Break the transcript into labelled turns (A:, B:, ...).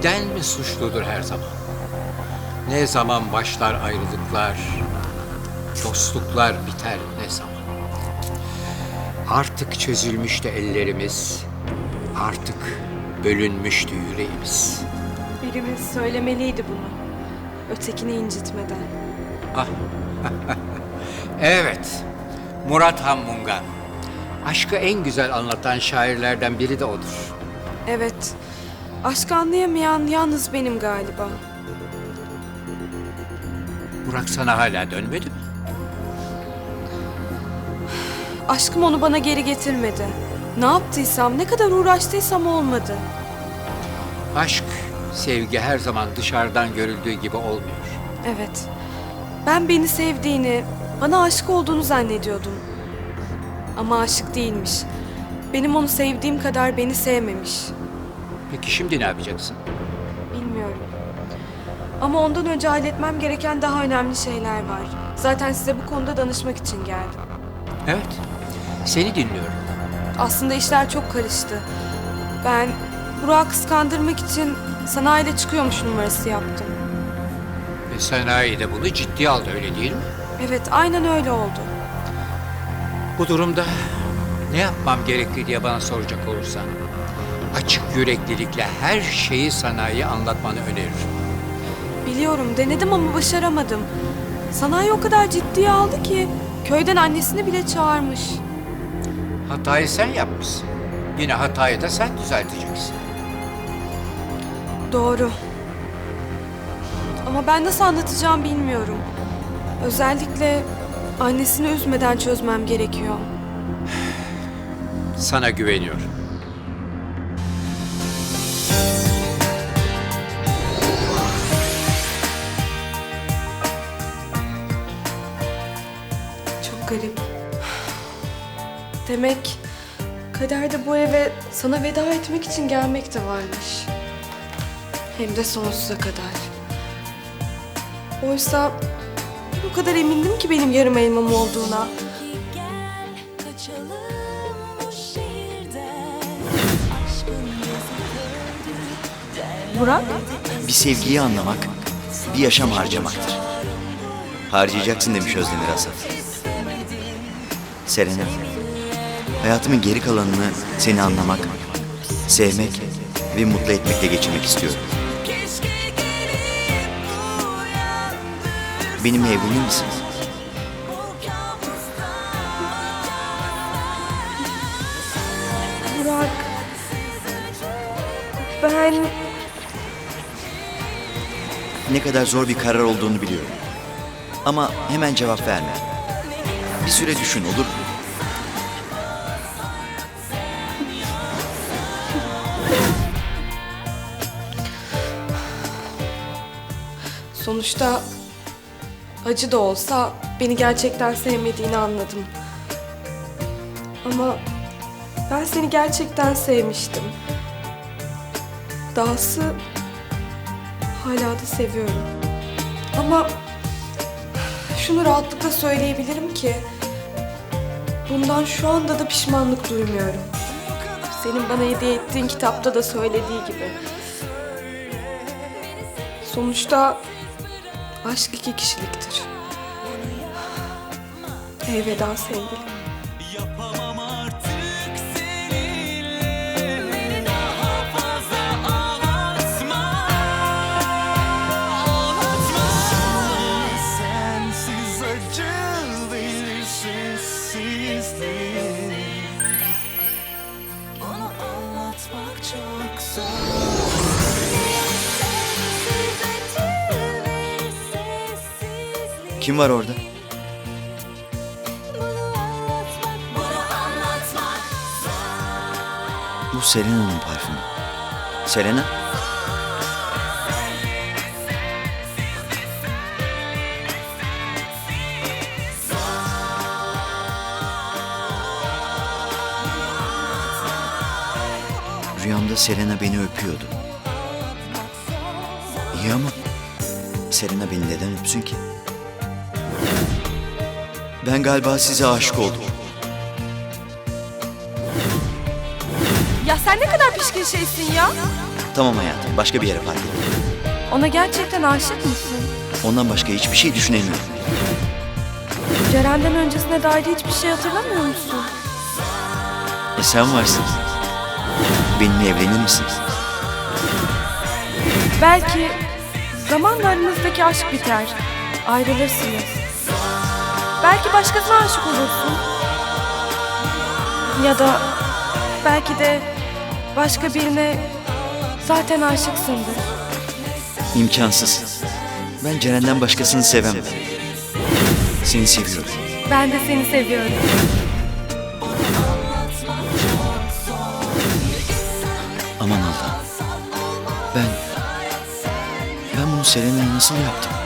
A: beden mi suçludur her zaman? Ne zaman başlar ayrılıklar, dostluklar biter ne zaman? Artık çözülmüştü ellerimiz, artık bölünmüştü yüreğimiz.
B: Birimiz söylemeliydi bunu. Ötekini incitmeden.
A: Ah, evet, Murat Han Mungan. Aşkı en güzel anlatan şairlerden biri de odur.
B: Evet. Aşkı anlayamayan yalnız benim galiba.
A: Burak sana hala dönmedi mi?
B: Aşkım onu bana geri getirmedi. Ne yaptıysam, ne kadar uğraştıysam olmadı.
A: Aşk, sevgi her zaman dışarıdan görüldüğü gibi olmuyor.
B: Evet. Ben beni sevdiğini, bana aşık olduğunu zannediyordum. Ama aşık değilmiş. Benim onu sevdiğim kadar beni sevmemiş.
A: Peki şimdi ne yapacaksın?
B: Bilmiyorum. Ama ondan önce halletmem gereken daha önemli şeyler var. Zaten size bu konuda danışmak için geldim.
A: Evet, seni dinliyorum.
B: Aslında işler çok karıştı. Ben Burak'ı kıskandırmak için sanayiyle çıkıyormuş numarası yaptım.
A: Ve sanayi de bunu ciddiye aldı, öyle değil mi?
B: Evet, aynen öyle oldu.
A: Bu durumda ne yapmam gerekli diye bana soracak olursan, açık yüreklilikle her şeyi sanayiye anlatmanı öneririm.
B: Biliyorum, denedim ama başaramadım. Sanayi o kadar ciddiye aldı ki köyden annesini bile çağırmış.
A: Hatayı sen yapmışsın. Yine hatayı da sen düzelteceksin.
B: Doğru. Ama ben nasıl anlatacağım bilmiyorum. Özellikle annesini üzmeden çözmem gerekiyor.
A: Sana güveniyorum.
B: Çok garip. Demek kaderde bu eve sana veda etmek için gelmek de varmış. Hem de sonsuza kadar. Oysa o kadar emindim ki benim yarım elmam olduğuna. Burak?
C: Bir sevgiyi anlamak, bir yaşam harcamaktır. Harcayacaksın demiş Özdemir Asaf. Serena, hayatımın geri kalanını seni anlamak, sevmek ve mutlu etmekle geçirmek istiyorum. Benimle evlenir misin?
B: Burak. Ben...
C: Ne kadar zor bir karar olduğunu biliyorum. Ama hemen cevap verme. Bir süre düşün, olur mu?
B: Sonuçta acı da olsa beni gerçekten sevmediğini anladım. Ama ben seni gerçekten sevmiştim. Dahası hala da seviyorum. Ama şunu rahatlıkla söyleyebilirim ki bundan şu anda da pişmanlık duymuyorum. Senin bana hediye ettiğin kitapta da söylediği gibi. Sonuçta aşk iki kişiliktir. Elveda sevgilim.
D: Yapamam artık seninle daha fazla ağlatma, ağlatma. Sensiz acı verir sessizlik. Onu anlatmak çok zor.
C: Kim var orada? Bu Selena'nın parfümü. Selena? Rüyamda Selena beni öpüyordu. İyi ama Selena beni neden öpsün ki? Ben galiba size aşık oldum.
B: Ya sen ne kadar pişkin şeysin ya.
C: Tamam hayatım, başka bir yere park et.
B: Ona gerçekten aşık mısın?
C: Ondan başka hiçbir şey düşünemiyorum.
B: Ceren'den öncesine dair hiçbir şey hatırlamıyor musun?
C: Sen varsın. Benimle evlenir misin?
B: Belki zamanla aranızdaki aşk biter. Ayrılırsınız. Belki başkasına aşık olursun. Ya da belki de başka birine zaten aşıksındır.
C: İmkansız. Ben Ceren'den başkasını sevemem. Seni seviyorum.
B: Ben de seni seviyorum.
C: Aman Allah'ım. Ben bunu Selena'ya nasıl yaptım?